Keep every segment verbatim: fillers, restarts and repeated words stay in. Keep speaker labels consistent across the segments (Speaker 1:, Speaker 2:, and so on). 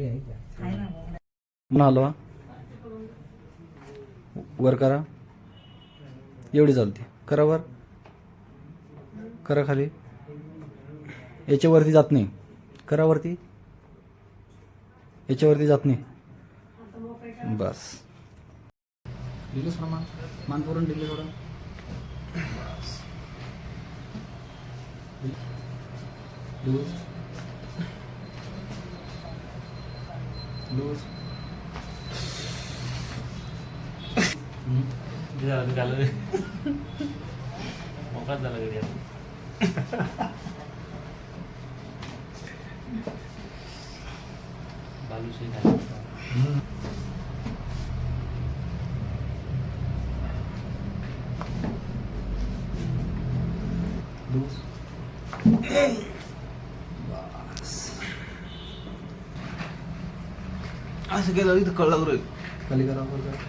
Speaker 1: पुन्हा हलवा, वर करा, एवढी चालते. करा वर, करा खाली, याच्यावरती जात नाही. करा वरती, याच्यावरती जात नाही. बस दिलं थोडं मान मान पुरून दिले थोडं. लूज लूज
Speaker 2: झालं झालं मोकाच झाला घरी आता. बालूशाही झाली.
Speaker 1: लूज बस असं केलं इथं कळलं रे. खाली करा वर करा.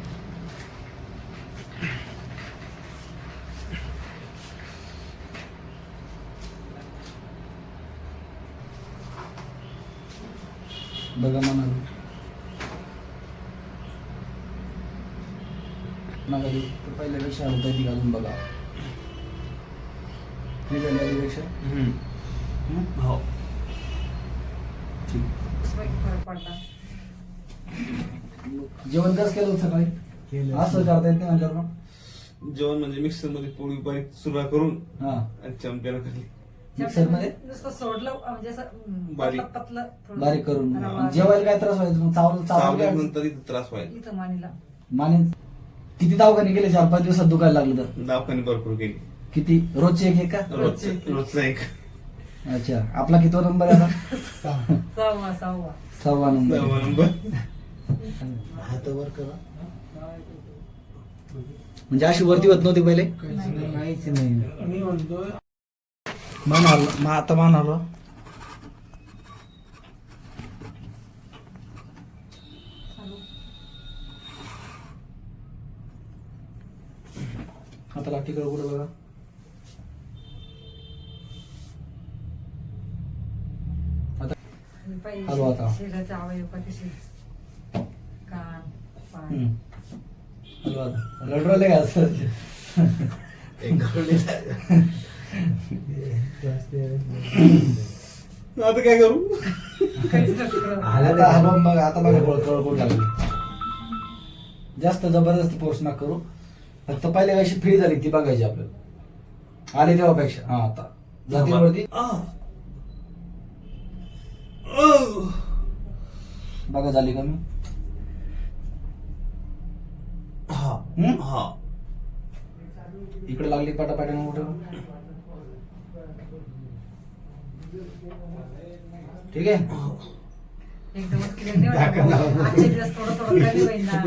Speaker 1: बघा म्हणा नका पहिल्यापेक्षा होता ती घालून बघा. नाही झाली आधीपेक्षा.
Speaker 2: हो
Speaker 1: ठीक. जेवण कसं केलं होतं सकाळी? असं करता येत नाही म्हणल्यावर मग
Speaker 3: जेवण म्हणजे मिक्सर मध्ये पोळी बारीक सुरुवात करून
Speaker 1: हा
Speaker 3: आणि चमच्याला खाली
Speaker 1: मिक्सर मध्ये
Speaker 4: नुसतं सोडलं म्हणजे असं
Speaker 3: बारीक.
Speaker 4: पतलं- पतलं थोडं.
Speaker 1: बारीक करून.
Speaker 4: रवा.
Speaker 1: जेवायला काय त्रास व्हायचा मग? चावलं चावलं
Speaker 3: चावल्यानंतर इथं त्रास व्हायला.
Speaker 4: इथं मानीला
Speaker 1: माने किती दवाखाने गेले? चार पाच दिवसात दुखायला लागलं तर?
Speaker 3: दवाखाने भरपूर गेली.
Speaker 1: किती? रोजचे एक एक का?
Speaker 3: रोज रोजचा एक
Speaker 1: अच्छा. आपला कितवा नंबर आहे आता?
Speaker 4: सहावा सहावा
Speaker 1: सहावा नंबर.
Speaker 3: सहावा नंबर.
Speaker 5: हात वर करा.
Speaker 1: म्हणजे अशी वरती होत नव्हती पहिले?
Speaker 5: काहीच नाही. मी म्हणतोय
Speaker 1: मान आलो, मा आता मान आलो. आता लाठीकडे कुठे बघा. हलवा आता.
Speaker 4: शरीराचे अवयव कसे कान पाय
Speaker 1: हम्म. हलवा आता. रडरले का असं?
Speaker 3: आता काय करू?
Speaker 4: काहीच नसतं.
Speaker 1: आता हलवून बघा. आता बघा कळकळ लागली. जास्त जबरदस्ती फोर्स नका करू. फक्त पहिल्या कशी फ्री झाली ती बघायची आपल्याला. आली तेव्हापेक्षा. हा आता जाती वरती बघा. झाली कमी?
Speaker 3: हा
Speaker 1: हम्म?
Speaker 3: हा
Speaker 1: इकडे लागली पाटापाट्यानं कुठं? ठीक आहे.
Speaker 4: एकदमच क्लिअर नाही वाटत. आजचे दिवस थोडं थोडं कमी होईल ना.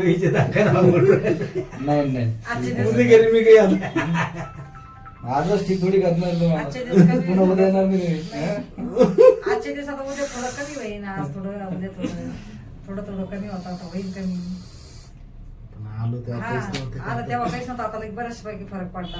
Speaker 1: नाही नाही
Speaker 4: आजचे दिवस
Speaker 3: उद्या घरी मी काही आलो.
Speaker 1: आजच ठीक थोडी करणार
Speaker 4: आजचे दिवस
Speaker 1: तुम्हाला.
Speaker 4: कमी
Speaker 1: पुन्हा उद्या येणार मी नाही.
Speaker 4: आजचे दिवस आता उद्या थोडं कमी होईल ना. आज थोडं उद्या थोडं थोडं थोडं कमी होता आता होईल कमी.
Speaker 5: पण आलो तेव्हा
Speaker 4: हा
Speaker 5: काहीच नव्हते.
Speaker 4: आता तेव्हा काहीच नव्हतं. आता बऱ्याच पैकी फरक पडला.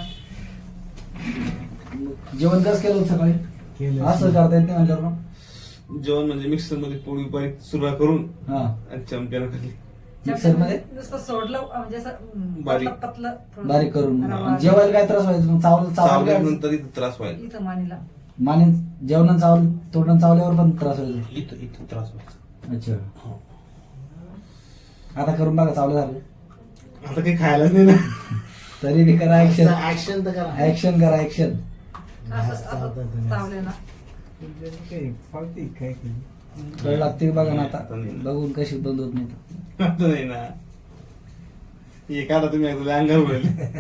Speaker 1: जेवण कसं केलं होतं सकाळी?
Speaker 5: केलं.
Speaker 1: असं करता येत नाही म्हणल्यावर मग.
Speaker 3: जेवण म्हणजे मिक्सर मध्ये पोळी बारीक सुरुवात करून
Speaker 1: हा
Speaker 3: आणि चमच्याला खाली
Speaker 1: मिक्सर मध्ये
Speaker 4: नुसतं सोडलं म्हणजे असं
Speaker 3: बारीक.
Speaker 4: पतलं- पतलं थोडं.
Speaker 1: बारीक करून.
Speaker 4: रवा.
Speaker 1: जेवायला काय त्रास व्हायचा मग? चावलं चावलं
Speaker 3: चावल्यानंतर इथं त्रास व्हायला.
Speaker 4: इथं मानीला
Speaker 1: माने जेवण चावलं तोडणं चावल्यावर पण त्रास व्हायचा.
Speaker 3: इथं इथं त्रास व्हायचा.
Speaker 1: अच्छा.
Speaker 3: हो.
Speaker 1: आता करून बघा. चावलं झालं
Speaker 3: आता काही खायलाच नाही ना.
Speaker 1: तरी बी करा. ऍक्शन
Speaker 5: ऍक्शन तर करा.
Speaker 1: ऍक्शन करा. ऍक्शन
Speaker 4: असं असं चावलं ना.
Speaker 1: कळ लागते बघा ना. आता बघून कशी बंद होत नाही तर.
Speaker 3: आता नाही ना. हे काढा तुम्ही एकदा अंगावर पडेल.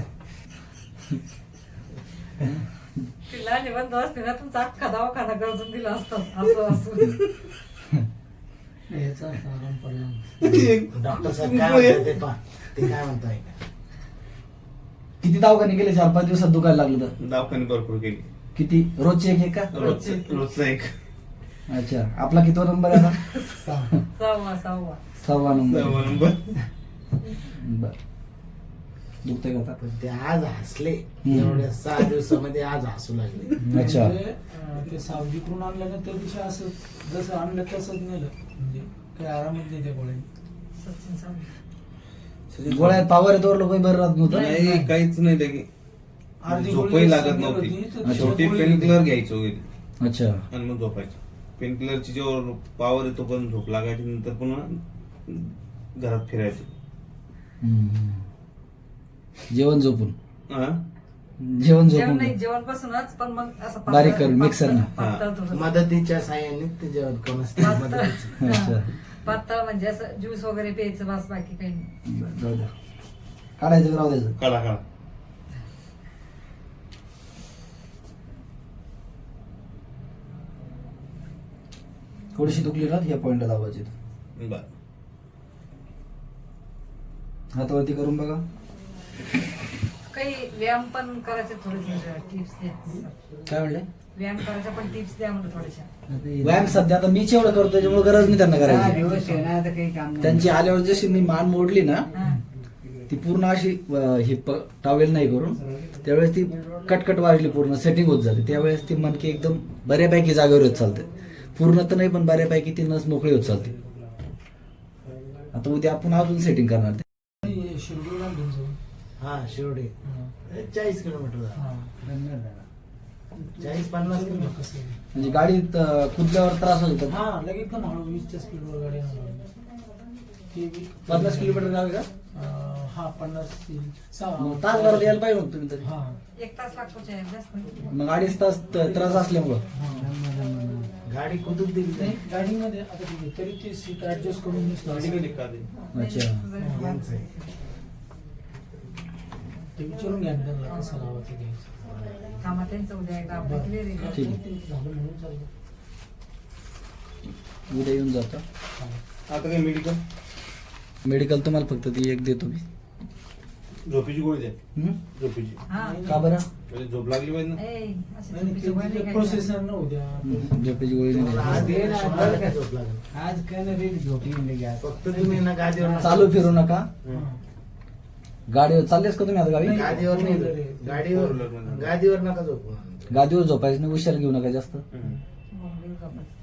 Speaker 4: तिला निबंध असते ना तुमचा अख्खा दवाखाना गरजून दिला असतं असं असं.
Speaker 5: याचा आराम पडला. डॉक्टर साहेब काय म्हणताय ते पहा. ते काय म्हणताय?
Speaker 1: किती दवाखाने गेले? चार पाच दिवसात दुखायला लागलं तर?
Speaker 3: दवाखाने भरपूर गेली.
Speaker 1: किती? रोजचे एक एक का?
Speaker 3: रोज रोजचा एक
Speaker 1: अच्छा. आपला कितवा नंबर आहे आता?
Speaker 4: सहावा सहावा
Speaker 1: सहावा नंबर.
Speaker 3: सहावा नंबर.
Speaker 1: बर. दुखतंय का आता?
Speaker 5: पण ते आज हसले.
Speaker 1: हम्म.
Speaker 5: एवढ्या सहा दिवसामध्ये आज हसू लागले.
Speaker 1: अच्छा.
Speaker 6: म्हणजे, अं, ते सावजीकडून आणलं ना त्या दिवशी असं जसं आणलं तसंच नेलं म्हणजे
Speaker 5: काही आरामच नाही त्या गोळ्या.
Speaker 4: सचिन सावंत.
Speaker 1: गोळ्या पावर येतो लोक बरं राहत नव्हतं.
Speaker 3: नाही काहीच नाही लगे
Speaker 5: अर्धी
Speaker 3: झोपही
Speaker 5: गोळी
Speaker 3: लागत
Speaker 5: संपली
Speaker 3: नव्हती
Speaker 5: होती, तर
Speaker 3: शेवटी
Speaker 5: गोळी-
Speaker 3: पेन किलर घ्यायचो वगैरे
Speaker 1: अच्छा.
Speaker 3: आणि मग झोपायचं. पेन किलरची जेव्हा पावर येतो पण झोप लागायची नंतर पुन्हा घरात फिरायचं.
Speaker 1: हम्म. जेवण झोपून
Speaker 3: हा?
Speaker 1: जेवण
Speaker 4: जेवण
Speaker 1: झोपून
Speaker 4: नाही जेवण पासूनच पण मग असं पातळ-
Speaker 1: बारीक करून, मिक्सरनं.
Speaker 4: पातळ थोडंसं.
Speaker 5: मदतीच्या साह्याने ते जेवण कोण असते
Speaker 4: पातळ
Speaker 5: मदतीचं.
Speaker 1: अच्छा.
Speaker 4: हा. पातळ म्हणजे असं ज्यूस वगैरे प्यायचं बस बाकी काही नाही.
Speaker 1: बरं, जाऊ द्या. काढायचं का राहू द्यायचं?
Speaker 3: काढा काढा.
Speaker 1: थोडीशी दुखली ना या पॉइंटला दाबायची.
Speaker 3: बरं.
Speaker 1: हातावरती करून बघा.
Speaker 4: काही व्यायाम पण करायचे थोडेसे टिप्स द्या.
Speaker 1: काय म्हणले?
Speaker 4: व्यायाम करायच्या पण टिप्स द्या म्हणलं थोड्याशा.
Speaker 1: व्यायाम सध्या आता मीच एवढं करतो त्याच्यामुळे गरज नाही त्यांना
Speaker 5: दहा
Speaker 1: करायची.
Speaker 5: दिवस आहे ना, आता काही काम नाही.
Speaker 1: त्यांची आल्यावर जशी मी मान मोडली ना
Speaker 4: हा.
Speaker 1: ती पूर्ण अशी अं, ही टॉवेल नाही करून त्यावेळेस ती कटकट वाजली, पूर्ण सेटिंग होत झाली. त्यावेळेस ती मनकी एकदम बऱ्यापैकी जागेवर होत चालते. पूर्ण तर नाही पण बऱ्यापैकी ती नस मोकळी होत चालते. आता उद्या आपण अजून सेटिंग करणार ते.
Speaker 5: शिर्डीला घेऊन जाऊ. हा शिर्डी चाळीस किलोमीटर झालं. चाळीस पन्नास किलोमीटर कसं आहे?
Speaker 1: म्हणजे गाडीत अं, कुदल्यावर त्रास होत होता.
Speaker 5: हा लगेच एकदम हळू वीसच्या स्पीडवर गाडी आणणार. ते वी-
Speaker 1: पन्नास किलोमीटर गावी का?
Speaker 5: अं, हा पन्नास ते सहा-
Speaker 1: मग तास भरात यायला पाहिजे होतं तुम्ही तरी.
Speaker 5: हा
Speaker 4: एक तास लागतो चहा, जास्त नाही.
Speaker 1: मग अडीच तास त- त्रास असल्यामुळं
Speaker 5: गाडी कुठून दिली नाही गाडीमध्ये आता ठीक आहे तरी ती सीट ऍडजस्ट करून दिसतो.
Speaker 3: गाडी का दे?
Speaker 1: अच्छा.
Speaker 5: यांचं आहे. ते विचारून घ्या ना त्यांना कसं लावायचं घ्यायचं.
Speaker 4: कामा त्यांचं उद्या एकदा आपलं clear आहे.
Speaker 1: ठीक.
Speaker 5: ते झालं म्हणून चाललं.
Speaker 1: उद्या येऊन जाता.
Speaker 3: आता काय मेडिकल
Speaker 1: मेडिकल तुम्हाला फक्त ती एक देतो मी.
Speaker 3: झोपेची गोळी द्या.
Speaker 1: हम्म?
Speaker 3: झोपेची
Speaker 4: हा.
Speaker 1: का बरं?
Speaker 3: म्हणजे झोप लागली पाहिजे ना.
Speaker 4: ए, अशी
Speaker 5: नाही,
Speaker 4: चुकीची गोळी नाही
Speaker 5: ते
Speaker 4: खायची.
Speaker 5: प्रोसेसर न उद्या
Speaker 1: हम्म, झोपेची गोळी नाही
Speaker 5: आज
Speaker 1: द्यायची.
Speaker 5: ये ना, आपल्याला काय झोप लागेल?
Speaker 6: आज काय नाही रे झोपी म्हणजे घ्या
Speaker 5: फक्त तुम्ही ना गादीवर
Speaker 1: चालू फिरू नका.
Speaker 5: हा.
Speaker 1: गाडीवर चाललेस का तुम्ही आता गावी?
Speaker 5: गादीवर नाही गाडीवर गादीवर नका झोपू.
Speaker 1: गादीवर झोपायचं नाही, उशाला घेऊ नका जास्त.
Speaker 3: हम्म.
Speaker 4: बोंबील झोपायचं.